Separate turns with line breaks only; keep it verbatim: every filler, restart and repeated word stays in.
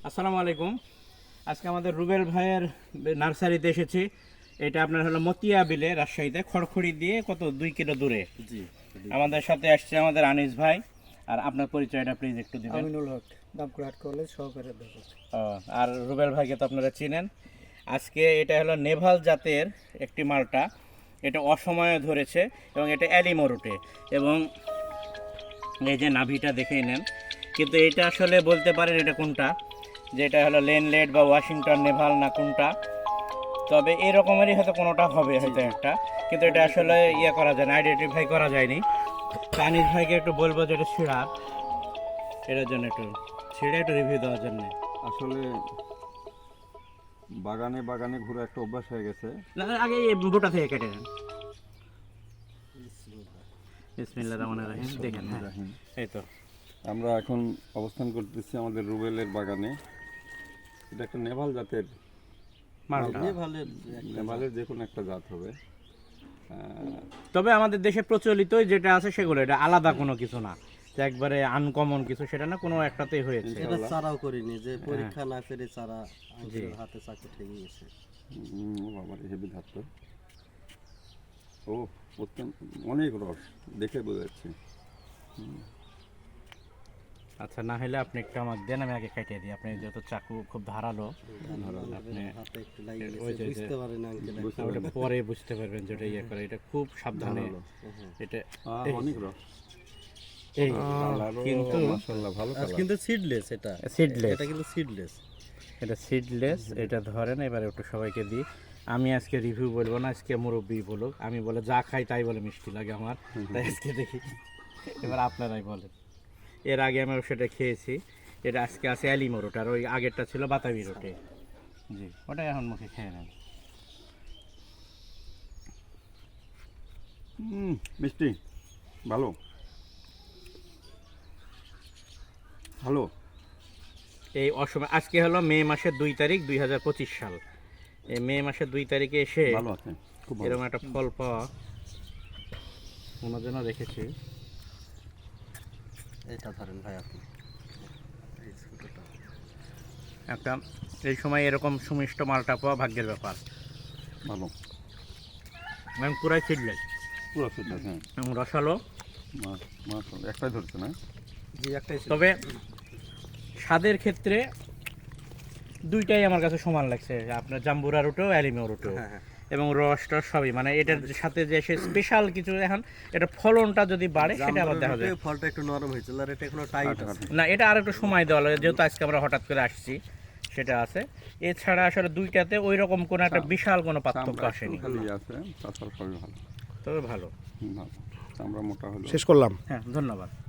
আসসালামু আলাইকুম। আজকে আমাদের রুবেল ভাইয়ের নার্সারিতে এসেছি। এটা আপনার হলো মতিয়া বিলে, রাজশাহীতে খড়খড়ি দিয়ে কত দুই কিলো দূরে।
জি,
আমাদের সাথে আসছে আমাদের আনিস ভাই। আর আপনার পরিচয়টা প্লিজ একটু দিবেন।
আমিনুল হক, দামকুড়াহাট কলেজ সহকারী অধ্যাপক।
ও, আর রুবেল ভাইকে তো আপনারা চিনেন। আজকে এটা হলো নেভাল জাতের একটি মালটা। এটা অসময়ে ধরেছে এবং এটা অ্যালিমোরুটে, এবং এই যে নাভিটা দেখেই নেন। কিন্তু এটা আসলে বলতে পারেন এটা কোনটা, যেটা হলো লেনলেট বা ওয়াশিংটন নেভাল না কোনটা, তবে এরকমেরই হয়তো কোনোটা হবে হয়তো একটা, কিন্তু এটা আসলে ইয়ে করা যায় না, আইডেন্টিফাই করা যায়নি। আনিস ভাইকে একটু বলবো যে এটা ছিঁড়া, এটার জন্য একটু ছিঁড়ে একটু রিভিউ দেওয়ার জন্য।
আসলে বাগানে বাগানে ঘুরে একটা অভ্যাস হয়ে গেছে।
না, আগে এই বোটা থেকে কেটে নেন। বিসমিল্লাহির রহমানির রহিম। দেখেন, হ্যাঁ,
রাহিম।
এই তো
আমরা এখন অবস্থান করতেছি আমাদের রুবেলের বাগানে। এটা একটা নেভাল জাতের
মালটা।
নেভালের
নেভালের যে কোনো একটা জাত হবে।
তবে আমাদের দেশে প্রচলিত যেটা আছে সেগুলো, এটা আলাদা কোনো কিছু না, যে একবারে আনকমন কিছু সেটা না, কোনো একটাতেই হয়েছে।
এটা চারাও করিনি, যে পরীক্ষা না করে চারা আঙ্কেলের হাতে চাকু ঠেকে গেছে।
উম, ও বাবার হেভি ধাত তো। ও অত্যন্ত অনেক রস দেখে বোঝা যাচ্ছে।
আচ্ছা, না হলে আপনি একটু আমাকে দেন, আমি আগে কেটে দিই। আপনি যেহেতু চাকু খুব ধারালো, আপনি
হাতে একটু লাগিয়ে
ওই
গেছে,
যে-
বুঝতে পারেন আঙ্কেল।
বুঝতে
ওটা পরে বুঝতে পারবেন যেটা ইয়ে করে। এটা খুব সাবধানে এটা
আহ, অনেক রস।
এই
কালারও
কিন্তু
মাশাআল্লাহ ভালো কালার।
কিন্তু সিডলেস, এটা
সিডলেস,
এটা কিন্তু সিডলেস।
এটা সিডলেস। এটা ধরেন, এবারে একটু সবাইকে দিই। আমি আজকে রিভিউ বলবো না, আজকে মুরব্বি বলুক। আমি বলে যা খাই তাই বলে মিষ্টি লাগে আমার, তাই আজকে দেখি। এবার আপনারাই বলেন। এর আগে আমি সেটা খেয়েছি। এটা আজকে আছে অ্যালিমো রোট, আর ওই আগেরটা ছিল বাতাবি রোটে। জি, ওটাই এখন মুখে খেয়ে নেন।
হুম, মিষ্টি ভালো ভালো।
এই অসময় আজকে হলো মে মাসের দুই তারিখ দুই হাজার পঁচিশ সাল। এই মে মাসের দুই তারিখে এসে
ভালো আছে, খুব ভালো।
এরকম একটা ফল পাওয়া ওনার জন্য রেখেছি।
এটা ধরেন ভাই আপনি, এই ছোটটা।
একটা এই সময় এরকম সুমিষ্ট মালটা পাওয়া ভাগ্যের ব্যাপার।
ভালো
এবং পুরাই ছিটলেস
পুরো ফিট আছে। হ্যাঁ,
এবং রসালো।
মা- মাশাআল্লাহ একটাই ধরছে না।
জি, একটাই ছিল।
তবে স্বাদের ক্ষেত্রে দুইটাই আমার কাছে সমান লাগছে, আপনার জাম্বুরা রুটেও অ্যালিমো রুটেও,
হ্যাঁ, হ্যাঁ।
এবং রসটা সবই, মানে এটার সাথে যে সে স্পেশাল কিছু, এখন এটা ফলনটা যদি বাড়ে সেটা আবার দেখা যায়।
জামরুলের ফলটা একটু নরম হয়েছিল, আর এটা এখনো টাইট আছে।
না, এটা আর একটু সময় দেওয়া লাগে, যেহেতু আজকে আমরা হঠাৎ করে আসছি সেটা আছে। এছাড়া আসলে দুইটাতে ওই রকম কোনো একটা বিশাল কোনো পার্থক্য
চামড়া
আসেনি,
একটু খালি আছে, তাছাড়া সবই ভালো।
তবে ভালো।
হুম, ভালো চামড়া মোটা হলো।
শেষ করলাম।
হ্যাঁ, ধন্যবাদ।